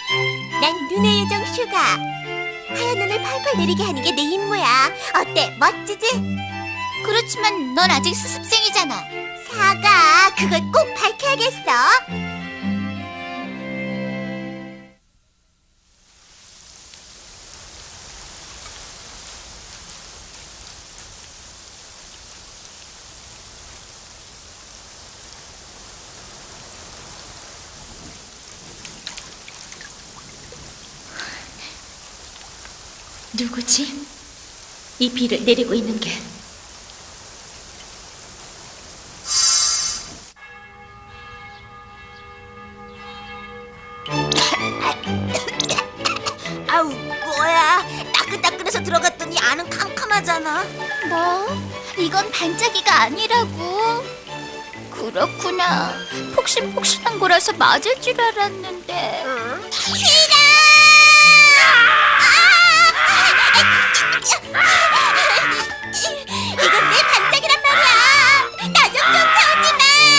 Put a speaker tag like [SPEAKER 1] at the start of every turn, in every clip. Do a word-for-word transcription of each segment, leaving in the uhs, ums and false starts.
[SPEAKER 1] 난 눈의 요정 슈가. 하얀 눈을 펄펄 내리게 하는 게 내 임무야. 어때? 멋지지?
[SPEAKER 2] 그렇지만 넌 아직 수습생이잖아.
[SPEAKER 1] 사과, 그걸 꼭 밝혀야겠어.
[SPEAKER 2] 누구지? 이 비를 내리고 있는 게.
[SPEAKER 1] 아우, 뭐야. 따끈따끈해서 들어갔더니 안은 캄캄하잖아.
[SPEAKER 2] 뭐? 이건 반짝이가 아니라고. 그렇구나. 폭신폭신한 거라서 맞을 줄 알았는데.
[SPEAKER 1] 휘라! 이건 내 반짝이란 말이야. 나 좀 쫓아오지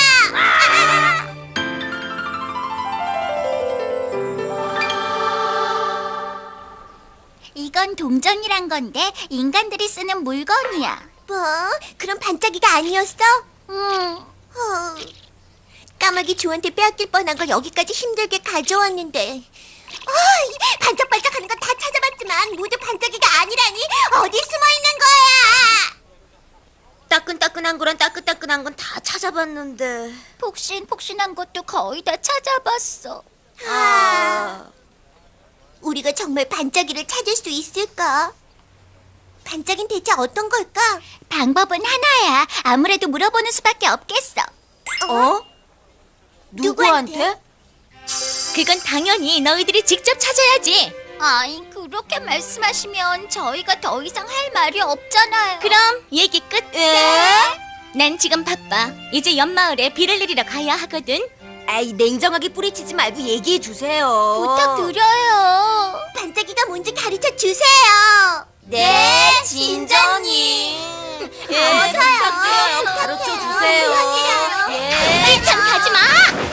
[SPEAKER 1] 마. 이건 동전이란 건데 인간들이 쓰는 물건이야. 뭐? 그럼 반짝이가 아니었어? 응. 어, 까마귀 조한테 빼앗길 뻔한 걸 여기까지 힘들게 가져왔는데. 어, 반짝반짝하는 건 다 찾아봤지만 모두 반짝이가 아니라니. 어디 숨어 있는 거야? 따끈따끈한 거랑 따끈따끈한 건 다 찾아봤는데.
[SPEAKER 2] 폭신폭신한 것도 거의 다 찾아봤어.
[SPEAKER 1] 아, 우리가 정말 반짝이를 찾을 수 있을까? 반짝이는 대체 어떤 걸까?
[SPEAKER 2] 방법은 하나야. 아무래도 물어보는 수밖에 없겠어.
[SPEAKER 1] 어? 누구한테?
[SPEAKER 2] 그건 당연히 너희들이 직접 찾아야지. 아이, 그렇게 말씀하시면 저희가 더 이상 할 말이 없잖아요. 그럼 얘기 끝.
[SPEAKER 1] 에?
[SPEAKER 2] 난 지금 바빠. 이제 옆마을에 비를 내리러 가야 하거든.
[SPEAKER 1] 아이, 냉정하게 뿌리치지 말고 얘기해 주세요.
[SPEAKER 2] 부탁드려요.
[SPEAKER 1] 반짝이가 뭔지 가르쳐 주세요.
[SPEAKER 2] 네, 진정님.
[SPEAKER 1] 예, 부탁드려요. 가르쳐 주세요. 예.
[SPEAKER 2] 빨리 참 가지 마.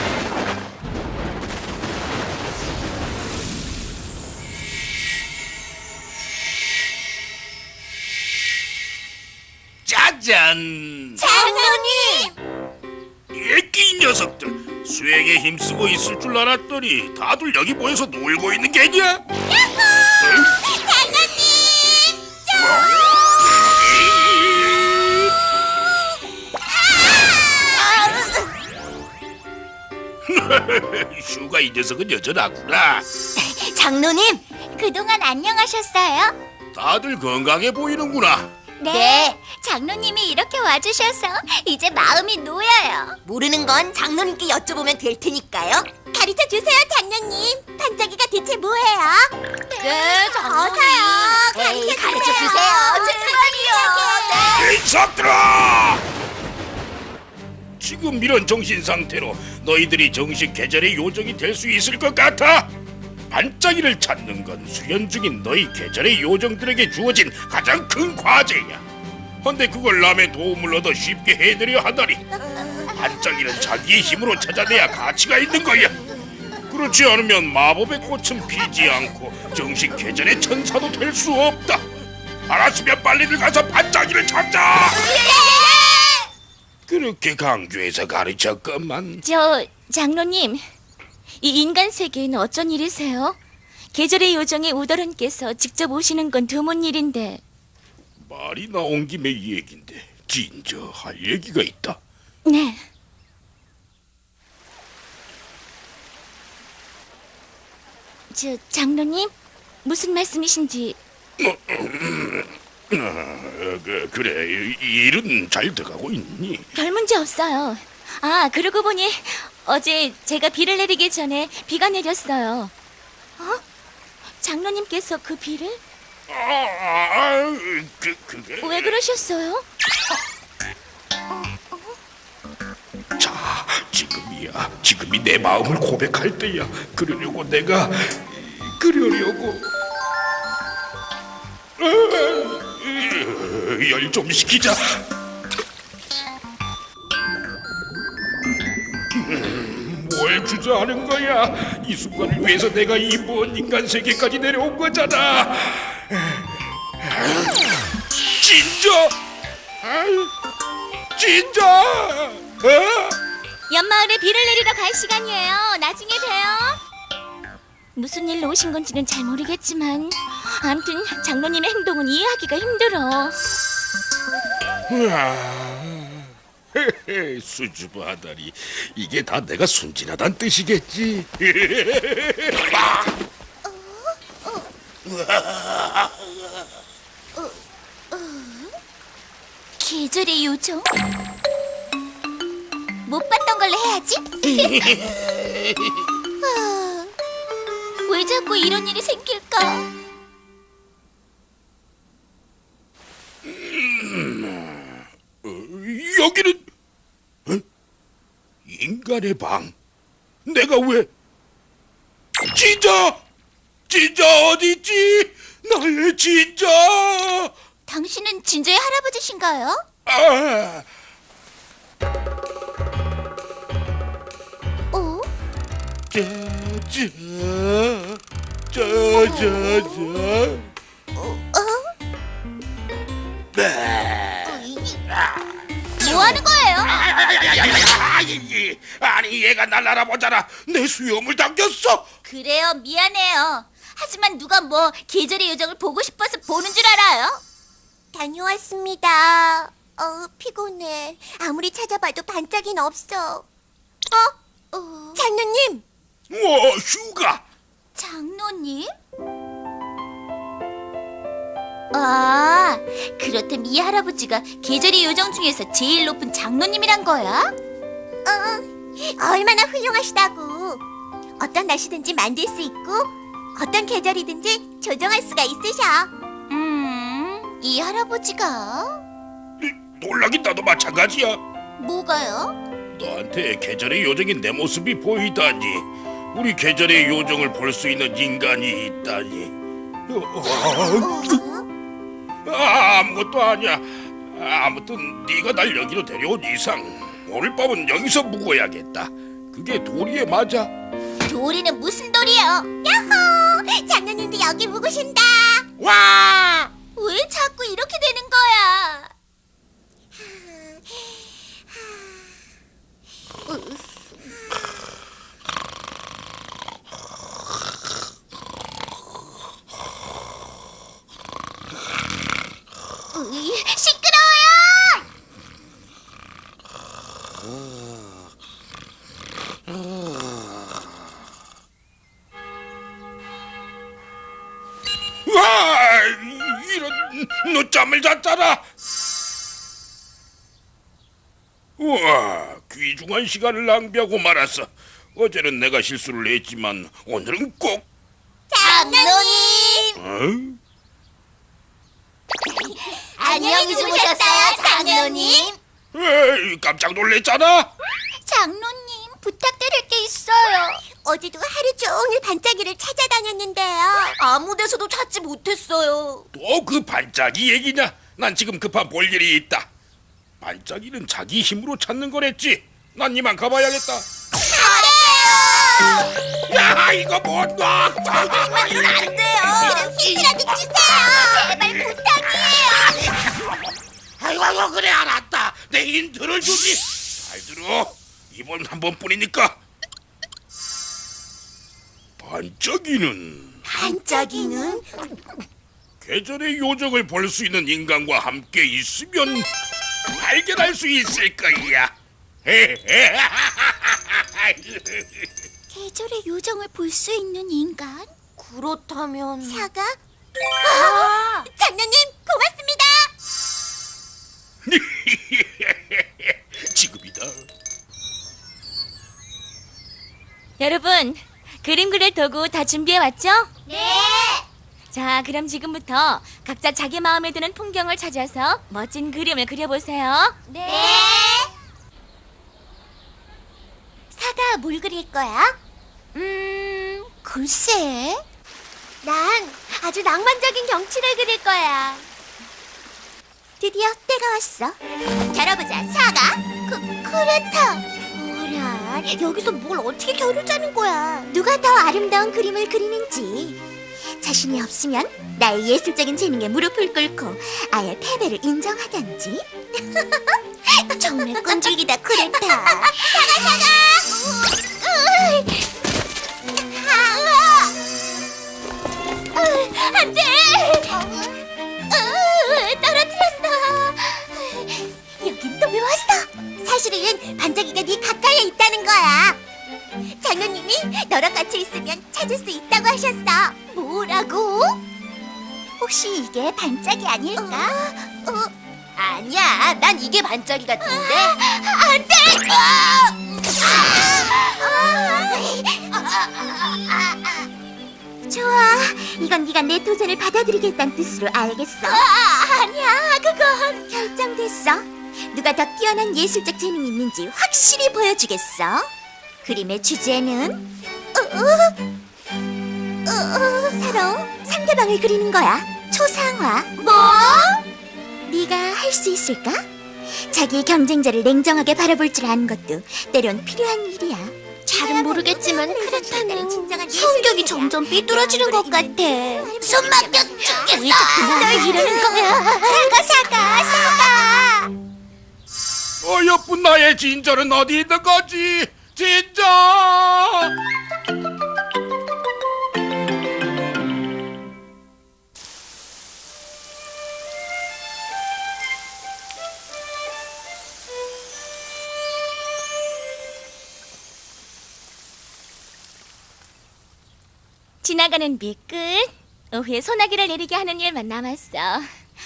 [SPEAKER 3] 짜잔!
[SPEAKER 1] 장로님!
[SPEAKER 3] 애끼 녀석들, 수행에 힘쓰고 있을 줄 알았더니 다들 여기 모여서 놀고 있는 게냐?
[SPEAKER 1] 장로님!
[SPEAKER 3] 슈가 이 녀석은 여전하구나.
[SPEAKER 1] 장로님!
[SPEAKER 2] 그동안 안녕하셨어요?
[SPEAKER 3] 다들 건강해 보이는구나.
[SPEAKER 2] 네, 장로님이 이렇게 와주셔서 이제 마음이 놓여요.
[SPEAKER 1] 모르는 건 장로님께 여쭤보면 될 테니까요. 가르쳐 주세요, 장로님. 반짝이가 대체 뭐예요?
[SPEAKER 2] 네,
[SPEAKER 1] 어서요.
[SPEAKER 2] 에이,
[SPEAKER 1] 가르쳐 주세요. 제발요.
[SPEAKER 3] 이 녀석들아! 지금 이런 정신 상태로 너희들이 정식 계절의 요정이 될 수 있을 것 같아? 반짝이를 찾는 건 수련 중인 너희 계절의 요정들에게 주어진 가장 큰 과제야. 헌데 그걸 남의 도움을 얻어 쉽게 해내려 하다니. 반짝이는 자기의 힘으로 찾아내야 가치가 있는 거야. 그렇지 않으면 마법의 꽃은 피지 않고 정식 계절의 천사도 될 수 없다. 알았으면 빨리들 가서 반짝이를 찾자. 그렇게 강조해서 가르쳤건만.
[SPEAKER 2] 저, 장로님, 이 인간 세계에는 어쩐 일이세요? 계절의 요정의 우더런께서 직접 오시는 건 드문 일인데.
[SPEAKER 3] 말이 나온 김에 이 얘긴데 진저 할 얘기가 있다.
[SPEAKER 2] 네. 저, 장로님, 무슨 말씀이신지.
[SPEAKER 3] 어, 그, 그래, 이- 일은 잘 돼가고 있니?
[SPEAKER 2] 별 문제 없어요. 아, 그러고 보니 어제 제가 비를 내리기 전에 비가 내렸어요. 어? 장로님께서 그 비를?
[SPEAKER 3] 아, 그, 그게...
[SPEAKER 2] 왜 그러셨어요?
[SPEAKER 3] 자, 지금이야. 지금이 내 마음을 고백할 때야. 그러려고 내가... 그러려고... 열 좀 식히자. 음, 뭐야? 뭘 주저하는 거야? 이 순간을 위해서 내가 이 먼 인간 세계까지 내려온 거잖아. 진짜? 아유, 진짜? 어?
[SPEAKER 2] 연마을에 비를 내리러 갈 시간이에요. 나중에 봬요. 무슨 일로 오신 건지는 잘 모르겠지만 아무튼 장로님의 행동은 이해하기가 힘들어.
[SPEAKER 3] 수줍어하다니, 이게 다 내가 순진하단 뜻이겠지.
[SPEAKER 1] 계절의 요정? 못 봤던 걸로 해야지. 아, 왜 자꾸 이런 일이 생길까?
[SPEAKER 3] 어, 여기는 어? 인간의 방. 내가 왜? 진짜? 진짜 어디 있지? 나의 진짜?
[SPEAKER 1] 당신은 진저의 할아버지신가요?
[SPEAKER 3] 아,
[SPEAKER 1] 어?
[SPEAKER 3] 짜자, 짜자자.
[SPEAKER 1] 어?
[SPEAKER 3] 네.
[SPEAKER 1] 뭐 하는 거예요?
[SPEAKER 3] 아니, 아니 얘가 날 알아보잖아. 내 수염을 당겼어.
[SPEAKER 1] 그래요, 미안해요. 하지만 누가 뭐 계절의 요정을 보고 싶어서 보는 줄 알아요? 다녀왔습니다. 어, 피곤해. 아무리 찾아봐도 반짝이는 없어. 어? 어... 장로님!
[SPEAKER 3] 뭐 휴가?
[SPEAKER 1] 장로님? 아, 그렇다면 이 할아버지가 계절의 요정 중에서 제일 높은 장로님이란 거야? 어, 얼마나 훌륭하시다고. 어떤 날씨든지 만들 수 있고 어떤 계절이든지 조정할 수가 있으셔. 음, 이 할아버지가...
[SPEAKER 3] 놀라긴 나도 마찬가지야.
[SPEAKER 1] 뭐가요?
[SPEAKER 3] 너한테 계절의 요정인 내 모습이 보이다니. 우리 계절의 요정을 볼 수 있는 인간이 있다니.
[SPEAKER 1] 어?
[SPEAKER 3] 아, 아무것도 아니야. 아무튼 네가 날 여기로 데려온 이상 오늘 밤은 여기서 묵어야겠다. 그게 도리에 맞아.
[SPEAKER 1] 도리는 무슨 도리요? 야호! 장로님도 여기 묵으신다.
[SPEAKER 3] 와!
[SPEAKER 1] 왜 자꾸 이렇게 되는 거야? 으이, 시끄러워요!
[SPEAKER 3] 와! 이런, 늦잠을 잤잖아. 우와, 귀중한 시간을 낭비하고 말았어. 어제는 내가 실수를 했지만 오늘은 꼭.
[SPEAKER 1] 장로님!
[SPEAKER 3] 어?
[SPEAKER 1] 안녕히 주무셨어요, 장로님?
[SPEAKER 3] 에이, 깜짝 놀랐잖아.
[SPEAKER 1] 장로님, 부탁드릴 게 있어요. 어제도 하루 종일 반짝이를 찾아다녔는데요. 아무 데서도 찾지 못했어요.
[SPEAKER 3] 또 그 반짝이 얘기냐? 난 지금 급한 볼 일이 있다. 반짝이는 자기 힘으로 찾는 거랬지. 난 이만 가봐야겠다.
[SPEAKER 1] 그래요!
[SPEAKER 3] 야, 이거 못 놔.
[SPEAKER 1] 저희들만으로는 안 돼요. 그럼 힌트라도 주세요. 제발 부탁이에요.
[SPEAKER 3] 아이고, 아이고, 그래 알았다. 내 힌트를 주지. 잘 들어. 이번 한 번뿐이니까. 반짝이는
[SPEAKER 1] 반짝이는?
[SPEAKER 3] 계절의 요정을 볼 수 있는 인간과 함께 있으면 발견할 수 있을 거야.
[SPEAKER 1] 계절의 요정을 볼 수 있는 인간? 그렇다면 사과? 아! 장로님 고맙습니다.
[SPEAKER 3] 지금이다.
[SPEAKER 2] 여러분, 그림 그릴 도구 다 준비해 왔죠?
[SPEAKER 1] 네.
[SPEAKER 2] 자, 그럼 지금부터 각자 자기 마음에 드는 풍경을 찾아서 멋진 그림을 그려보세요.
[SPEAKER 1] 네. 사과 뭘 그릴 거야? 음, 글쎄. 난 아주 낭만적인 경치를 그릴 거야. 드디어 때가 왔어. 열어보자, 사과. 그, 그렇다. 어라? 정말 여기서 뭘 어떻게 결을 짜는 거야? 누가 더 아름다운 그림을 그리는지. 자신이 없으면 나의 예술적인 재능에 무릎을 꿇고 아예 패배를 인정하던지. 정말 끈질기다 그랬다. 사가 사가. 안돼. 떨어뜨렸어. 여긴 또 왜 왔어? 사실은 반짝이가 네 가까이에 있다는 거야. 장로님이 너랑 같이 있으면 찾을 수 있다고 하셨어. 뭐라고? 혹시 이게 반짝이 아닐까? 어, 어. 아니야, 난 이게 반짝이 같은데. 안 돼! 좋아, 이건 네가 내 도전을 받아들이겠다는 뜻으로 알겠어. 아, 아니야, 그건 결정됐어. 누가 더 뛰어난 예술적 재능이 있는지 확실히 보여주겠어. 그림의 주제는 어, 어, 어, 어, 서로 상대방을 그리는 거야. 초상화. 뭐? 네가 할 수 있을까? 자기의 경쟁자를 냉정하게 바라볼 줄 아는 것도 때론 필요한 일이야.
[SPEAKER 2] 잘은 모르겠지만 크레타는
[SPEAKER 1] 성격이 점점 삐뚤어지는 것 같아. 숨 막혀 죽겠어. 널 이러는 거야. 사과 사과 사과.
[SPEAKER 3] 어여쁜 나의 진저는 어디 있는 거지? 진저!
[SPEAKER 2] 지나가는 빛끝. 오후에 소나기를 내리게 하는 일만 남았어. 아,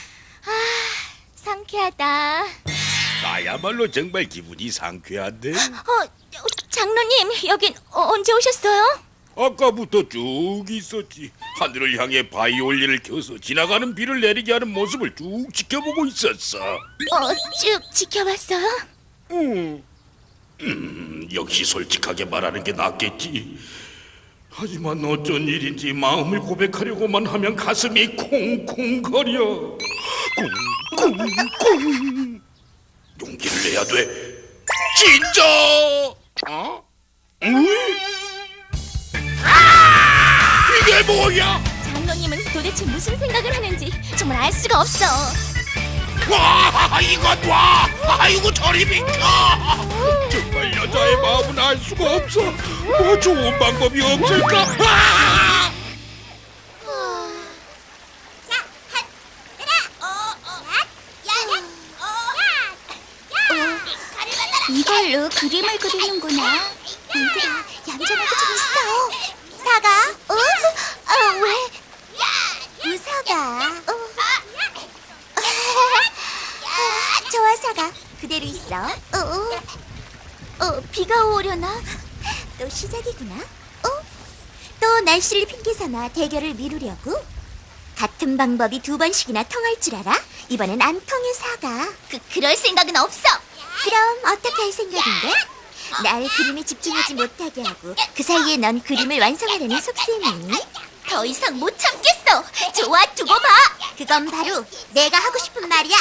[SPEAKER 2] 상쾌하다.
[SPEAKER 3] 나야말로 정말 기분이 상쾌한데?
[SPEAKER 2] 어, 어, 장로님, 여긴 어, 언제 오셨어요?
[SPEAKER 3] 아까부터 쭉 있었지. 하늘을 향해 바이올린을 켜서 지나가는 비를 내리게 하는 모습을 쭉 지켜보고 있었어.
[SPEAKER 2] 어, 쭉 지켜봤어요?
[SPEAKER 3] 음, 음, 역시 솔직하게 말하는 게 낫겠지. 하지만 어쩐 일인지 마음을 고백하려고만 하면 가슴이 콩콩거려. 콩콩콩. 용기를 내야 돼. 진짜. 어? 응? 아! 이게 뭐야?
[SPEAKER 2] 장로님은 도대체 무슨 생각을 하는지 정말 알 수가 없어.
[SPEAKER 3] 와, 이것 봐! 아이고 저리 비켜! 정말 여자의 마음은 알 수가 없어. 뭐 좋은 방법이 없을까? 아!
[SPEAKER 1] 자, 한, 하나, 어, 어, 야, 야, 어, 야, 야. 이걸로 그림을 그리는구나. 얘들아, 얌전하게 좀 있어. 사가, 어, 어, 왜? 무사가. 어. 좋아, 사가. 그대로 있어. 어, 어, 어, 비가 오려나? 또 시작이구나. 어? 또 날씨를 핑계삼아 대결을 미루려고? 같은 방법이 두 번씩이나 통할 줄 알아? 이번엔 안 통해, 사가. 그, 그럴 생각은 없어. 그럼 어떻게 할 생각인데? 날 그림에 집중하지 못하게 하고 그 사이에 넌 그림을 완성하려는 속셈이니? 더 이상 못 참겠어. 좋아, 두고 봐. 그건 바로 내가 하고 싶은 말이야.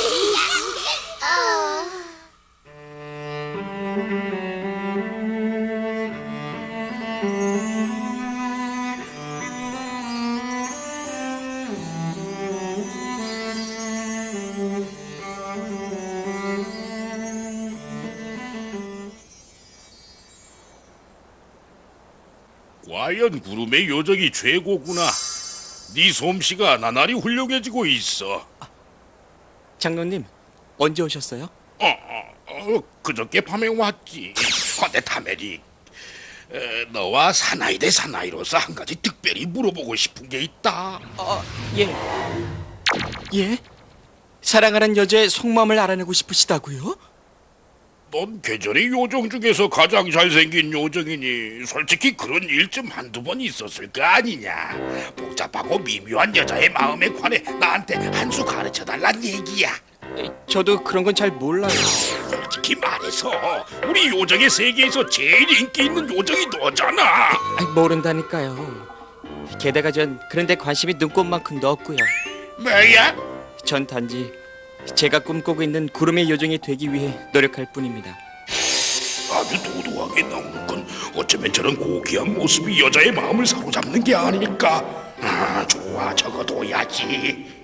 [SPEAKER 3] 과연 구름의 요정이 최고구나. 네 솜씨가 나날이 훌륭해지고 있어.
[SPEAKER 4] 장로님, 언제 오셨어요?
[SPEAKER 3] 어, 어, 어 그저께 밤에 왔지. 근데 타메릭, 에, 너와 사나이 대 사나이로서 한 가지 특별히 물어보고 싶은 게 있다.
[SPEAKER 4] 어, 예. 예? 사랑하는 여자의 속마음을 알아내고 싶으시다고요?
[SPEAKER 3] 넌 계절의 요정 중에서 가장 잘생긴 요정이니 솔직히 그런 일 좀 한두 번 있었을 거 아니냐. 복잡하고 미묘한 여자의 마음에 관해 나한테 한 수 가르쳐달란 얘기야.
[SPEAKER 4] 에, 저도 그런 건 잘 몰라요.
[SPEAKER 3] 솔직히 말해서 우리 요정의 세계에서 제일 인기 있는 요정이 너잖아.
[SPEAKER 4] 아이, 모른다니까요. 게다가 전 그런데 관심이 눈꼽만큼도 없고요.
[SPEAKER 3] 뭐야?
[SPEAKER 4] 전 단지 제가 꿈꾸고 있는 구름의 요정이 되기 위해 노력할 뿐입니다.
[SPEAKER 3] 아주 도도하게 나오는 건 어쩌면 저런 고귀한 모습이 여자의 마음을 사로잡는 게 아닐까. 아, 좋아, 적어둬야지.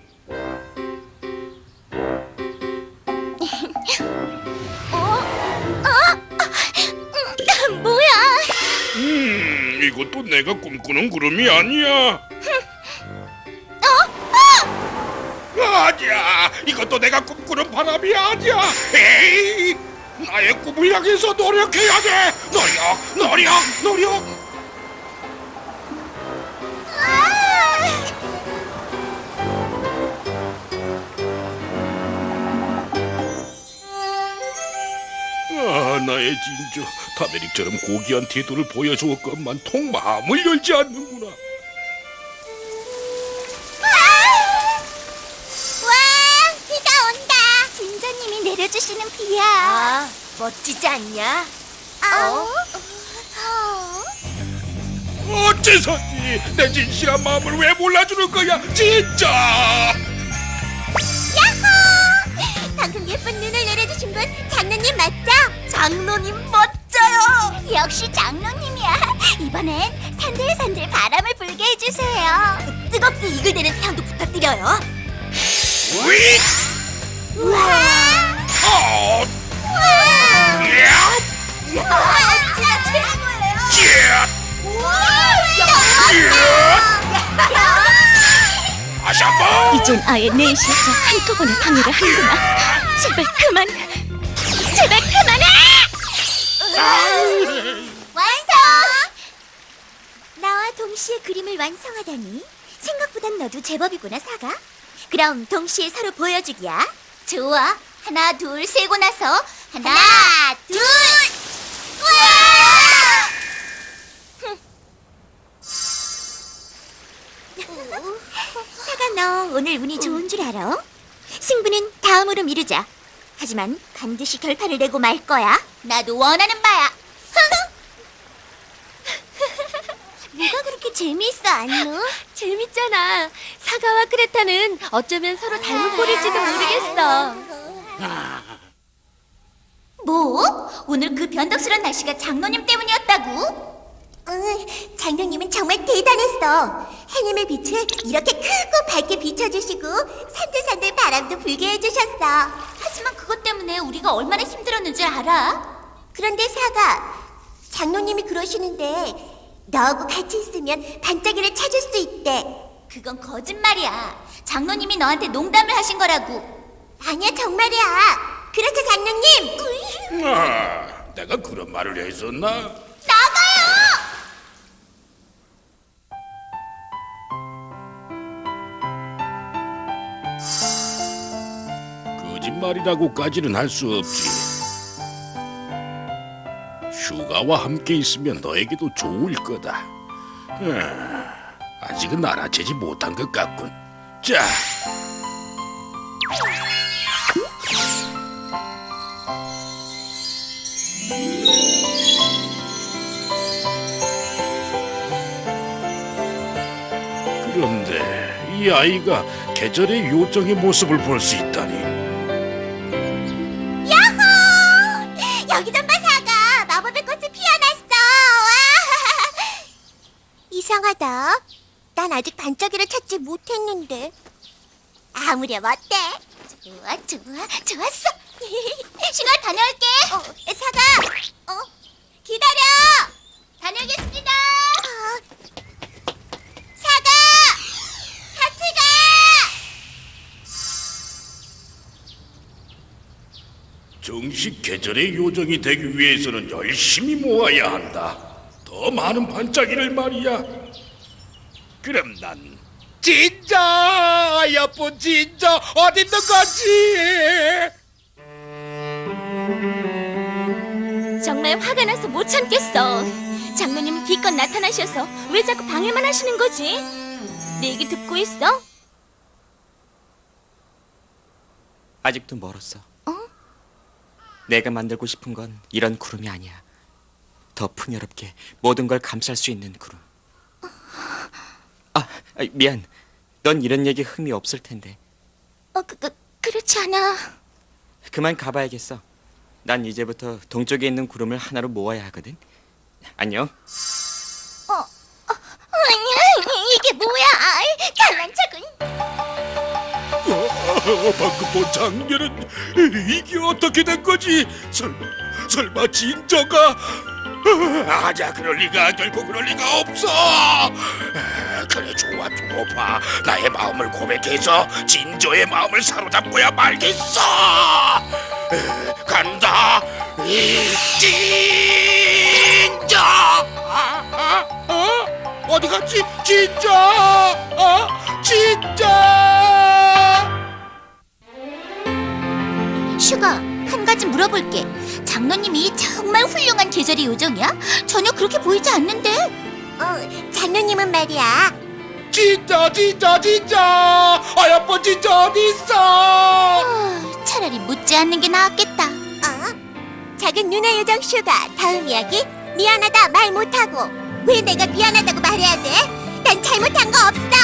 [SPEAKER 2] 뭐야?
[SPEAKER 3] 음, 이것도 내가 꿈꾸는 구름이 아니야. 아니야, 이것도 내가 꿈꾸는 바람이 아니야. 에이, 나의 꿈을 향해서 노력해야 돼. 노력, 노력, 노력. 아, 나의 진저 타메릭처럼 고귀한 태도를 보여주었건만 통 마음을 열지 않는구나.
[SPEAKER 1] 와, 비가 온다. 진저님이 내려주시는 비야.
[SPEAKER 2] 아, 멋지지 않냐?
[SPEAKER 1] 어? 어?
[SPEAKER 3] 어째서지 내 진실한 마음을 왜 몰라주는 거야, 진짜.
[SPEAKER 1] 야호! 방금 예쁜 눈을 내려주신 분 장로님 맞죠? 장로님 멋져요. 역시 장로님이야. 이번엔 산들산들 바람을 불게 해주세요. 뜨겁게 이글대는 태양도 부탁드려요.
[SPEAKER 3] 위!
[SPEAKER 1] 우와!
[SPEAKER 3] 어!
[SPEAKER 1] 우와!
[SPEAKER 3] 야!
[SPEAKER 1] 우와! 진짜 최고예요.
[SPEAKER 3] 찌야!
[SPEAKER 1] 우와!
[SPEAKER 3] 찌야! 다시 한 번!
[SPEAKER 2] 이젠 아예 넷이서 한꺼번에 방해를 하는구나. 제발 그만. 제발 그만해.
[SPEAKER 1] 완성! 나와 동시에 그림을 완성하다니 생각보단 너도 제법이구나, 사가. 그럼 동시에 서로 보여주기야. 좋아. 하나, 둘, 세고 나서 하나, 둘! 사가, 너 오늘 운이 좋은 줄 알아? 승부는 다음으로 미루자. 하지만 반드시 결판을 내고 말 거야. 나도 원하는 바야. 뭐가 그렇게 재미있어, 안무?
[SPEAKER 2] 재밌잖아. 사과와 크레타는 어쩌면 서로 닮은 꼴일지도 모르겠어.
[SPEAKER 1] 뭐? 오늘 그 변덕스런 날씨가 장로님 때문이었다고? 응, 장로님은 정말 대단했어. 해님의 빛을 이렇게 크고 밝게 비춰주시고 산들산들 바람도 불게 해주셨어. 하지만 그것 때문에 우리가 얼마나 힘들었는지 알아? 그런데 사가, 장로님이 그러시는데 너하고 같이 있으면 반짝이를 찾을 수 있대. 그건 거짓말이야. 장로님이 너한테 농담을 하신 거라고. 아니야, 정말이야. 그렇죠, 장로님?
[SPEAKER 3] 아, 내가 그런 말을 했었나?
[SPEAKER 1] 나가요!
[SPEAKER 3] 거짓말이라고까지는 할 수 없지. 슈가와 함께 있으면 너에게도 좋을 거다. 아, 아직은 알아채지 못한 것 같군. 자, 그런데 이 아이가 계절의 요정의 모습을 볼 수 있다니.
[SPEAKER 1] 야호! 여기 좀 봐, 사가. 마법의 꽃이 피어났어. 와! 이상하다. 난 아직 반짝이를 찾지 못했는데. 아무렴 어때? 좋아, 좋아, 좋았어. 시간 다녀올게. 어, 사가. 어, 기다려. 다녀오겠습니다. 어, 사가, 같이 가.
[SPEAKER 3] 정식 계절의 요정이 되기 위해서는 열심히 모아야 한다. 더 많은 반짝이를 말이야. 그럼 난 진짜 예쁜 진짜 어디 있는 거지?
[SPEAKER 2] 정말 화가 나서 못 참겠어. 장로님 기껏 나타나셔서 왜 자꾸 방해만 하시는 거지? 내 얘기 듣고 있어?
[SPEAKER 4] 아직도 멀었어.
[SPEAKER 2] 어?
[SPEAKER 4] 내가 만들고 싶은 건 이런 구름이 아니야. 더 풍요롭게 모든 걸 감쌀 수 있는 구름. 아, 아, 미안. 넌 이런 얘기 흠이 없을 텐데.
[SPEAKER 2] 어, 그, 그, 그렇지 않아.
[SPEAKER 4] 그만 가봐야겠어. 난 이제부터 동쪽에 있는 구름을 하나로 모아야 하거든. 안녕.
[SPEAKER 2] 아니, 이게 뭐야? 잘난 척은.
[SPEAKER 3] 어, 방금 본 장면은 이게 어떻게 된 거지? 설마 설마 진저가? 어, 아니야, 그럴 리가, 결코 그럴 리가 없어. 아, 그래, 좋아, 두고 봐. 나의 마음을 고백해서 진저의 마음을 사로잡고야 말겠어. 에, 간다, 이 진저. 아, 아, 어? 어디 갔지? 진저, 어? 진저.
[SPEAKER 1] 슈가, 한 가지 물어볼게. 장로님이 정말 훌륭한 계절의 요정이야? 전혀 그렇게 보이지 않는데. 어, 장로님은 말이야.
[SPEAKER 3] 진짜 진짜 진짜 아야빠 진짜 어디 있어?
[SPEAKER 1] 아, 차라리 묻지 않는 게 나았겠다. 어? 작은 누나 요정 슈가, 다음 이야기. 미안하다 말 못하고. 왜 내가 미안하다고 말해야 돼? 난 잘못한 거 없어.